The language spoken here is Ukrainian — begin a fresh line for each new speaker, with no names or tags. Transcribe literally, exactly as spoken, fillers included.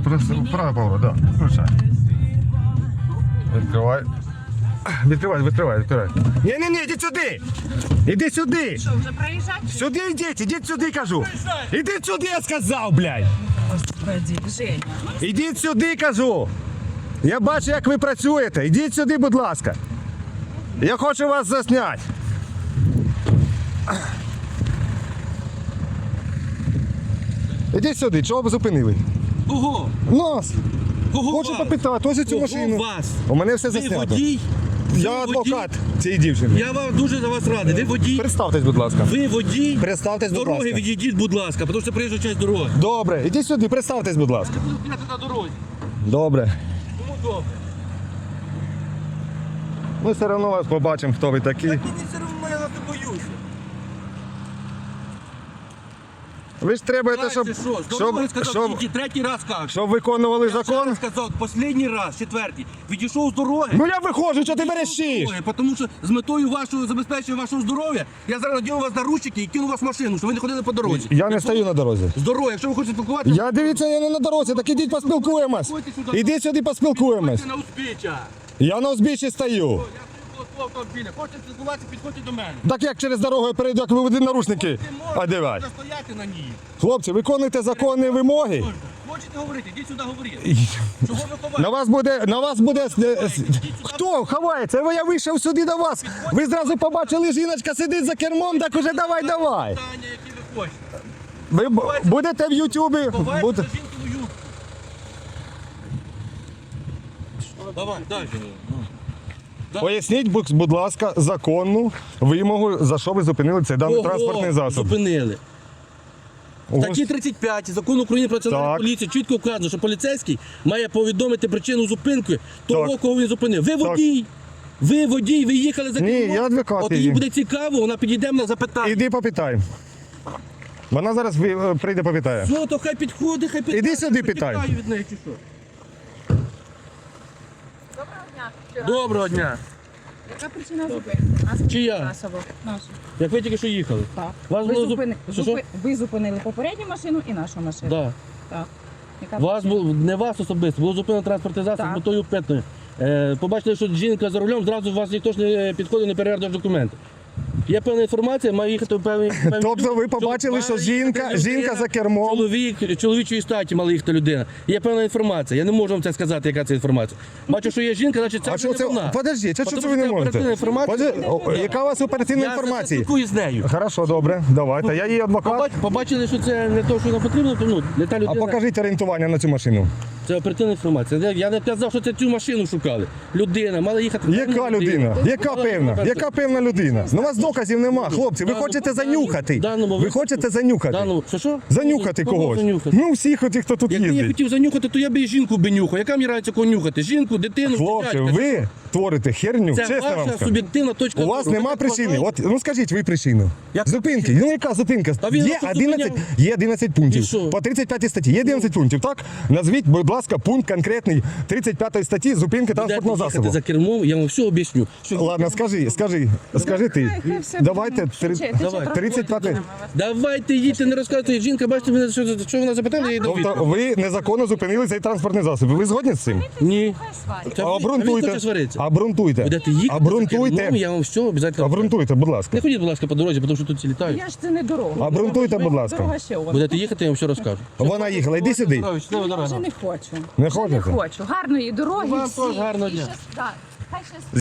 Право поворот, да. Включай. Відкривай. Відкривай, відкривай, відкривай. Ні-ні-ні, ідіть сюди! Ідіть сюди!
Що, вже проїжджати?
Сюди йдіть, ідіть сюди, кажу! Ідіть сюди, я сказав, блядь!
Господи, Женя.
Ідіть сюди, кажу! Я бачу, як ви працюєте. Ідіть сюди, будь ласка. Я хочу вас засняти. Ідіть сюди, чого ви зупинили?
Кого?
Нас!
Кого
Хочу
вас?
попитати, ось цю
Кого
машину.
вас?
У мене все
Ви
заснято.
водій?
Я
Ви
адвокат
водій?
цієї дівчини.
Я вам дуже за вас радий. Ви водій?
Представтесь, будь ласка.
Ви водій?
Представтесь,
З
будь
дороги
ласка.
відійдіть, будь ласка, тому що приїжджа часть дороги.
Добре, ідіть сюди, представтесь, будь ласка.
Я буду стояти на дорозі.
Добре.
Кому добре?
Ми все одно вас побачимо, хто ви такі.
Так мені все одно, я вас не боюся.
Ви ж требуєте,
Дальше
щоб,
що? З дороги
щоб,
сказав,
щоб,
тільки третій раз кажу.
щоб виконували
Я ще
закон.
раз сказав, останній раз, четвертий. Відійшов з дороги.
Ну я виходжу, що ти верещиш?
Тому що з метою вашого забезпечення вашого здоров'я я зараз надіну вас наручники і кину вас в машину, щоб ви не ходили по дорозі.
Я не стою на дорозі.
З дороги, якщо ви хочете спілкуватися,
Я дивіться, я не на дорозі, так ідіть поспілкуємось. Ідіть сюди поспілкуємось.
підходьте на узбіччя.
Я на узбіччі стою.
Я було свого автомобіля. Хочете спілкуватися, підходьте до мене.
Так як через дорогу я перейду, як ви будете наручники
Ви можете
одягати.
стояти на ній.
Хлопці, виконуйте законні вимоги.
Можете. Хочете говорити, йдіть сюди говорити. Чого ви
На
ховаєте?
вас буде, на вас буде... е, с- Хто ховається? Я вийшов сюди до вас. Ви зразу побачили, жіночка сидить за кермом, так уже давай, давай.
Питання, які ви хочете.
Ви б- будете в Ютубі.
Ховайте
Буде...
за жінкину юбку. Давай, далі.
Поясніть, будь будь ласка, законну вимогу, за що ви зупинили цей даний
Кого
транспортний засіб.
зупинили? В
Ого.
статті тридцять п'ять Закону України про національну
Так.
поліцію чітко вказано, що поліцейський має повідомити причину зупинки того,
Так.
кого він зупинив. Ви водій. Ви водій, ви їхали за
Ні,
кермом.
я адвокат
От
її.
їй буде цікаво, вона підійде мене запитає.
Іди попитай. Вона зараз ви- е, прийде попитає.
Що, то хай підходить, хай питає.
Іди сюди,
Що,
питай.
тікаю від неї чи що?
Доброго дня.
Доброго дня.
Яка причина зупинки? Нас
Чия?
Насово. Нашу.
Як ви тільки що їхали?
Так.
Вас
Ви,
було зуп-
зупини...
Що, що?
зупи- ви зупинили попередню машину і нашу машину.
Да.
Так. Яка
Вас було, не вас особисто, було зупинено транспортний засіб
Так.
з метою питної. Е, побачили, що жінка за рулем, зразу вас ніхто ж не підходив, не перевіряв документи. Є певна інформація, має їхати в певний... певний-
Тобто ви побачили, що
має
жінка,
їхати
жінка
людина,
за кермом.
Чоловік, чоловічої статі мала їхати людина. Є певна інформація. Я не можу вам це сказати, яка це інформація. Бачу, що є жінка, значить це
А
вже
що
не
це?
вона.
Подождіть, а що
Тому
це ви не
це оперативна
можете?
інформація.
Подожди, о, яка у вас оперативна
Я
інформація?
спілкуюсь з нею.
Хорошо, добре, давайте. Я її адвокат.
Побач- Побачили, що це не те, що нам потрібно, то ну, не та
А
людина.
покажіть орієнтування на цю машину.
Це оперативна інформація. Я- Я не казав, що це цю машину шукали. Людина, мала їхати.
Яка людина? Яка
Мала
певна?
їхати.
Яка певна людина? Ну у вас доказів нема, хлопці. Ви
Даному-
хочете
даному-
занюхати.
даному
Ви
випадку-
хочете занюхати.
Даному- Що що?
Занюхати
Кого
когось.
занюхати?
Ну всіх отих, хто тут
Якби я
їздить.
хотів занюхати, то я б і жінку би нюхав. Яка мені рається кого нюхати? Жінку, дитину,
Хлопці,
дитятка.
ви творите херню,
Це
чесно вам
ваша
скажу.
суб'єктивна точка
У вас
зору.
нема
Ви так
причини.
вважаєте?
От, ну скажіть ви причину.
Яка
Зупинки. Ну яка зупинка?
А він
Є
вас тут
одинадцять,
зупиняв.
є одинадцять пунктів.
І що?
По тридцять п'ятій статті є одинадцять пунктів, так? Назвіть, будь ласка, пункт конкретний тридцять п'ятої статті зупинки транспортного
Будете їхати
засобу.
за кермом, я вам все об'ясню. Що-
Ладно, скажи, скажи, скажи ти.
Хай все
Давайте
буде.
три-
Швидше,
давай.
трохи
тридцять п'ятий.
будемо вас.
Давайте їдьте, не розказуйте. Жінка, бачите, мене, що, що вона запитала, я їй дав
Тобто
відповідь.
ви незаконно зупинили цей транспортний засіб. Ви згодні з цим?
Ні.
Хай сварять.
Та ви- а він
Обґрунтуйте.
хоче сваритися.
Обґрунтуйте.
Будете їхати за
Обґрунтуйте.
кермом, я вам все обов'язково.
Обґрунтуйте, будь ласка.
Не ходіть, будь ласка, по дорозі, тому що тут всі літають.
Я ж це не дорога.
Обґрунтуйте, будь ласка.
Дорога ще у вас.
Будете їхати, я вам все розкажу.
Вона їхала, йди сюди.
Щаслива
Я
дорога.
вже не хочу.
Не
Вже
хочете?
Не хочу. Гарної дороги.
Вам
всі.
теж гарного
І
дня.
щас- да. Хай щас-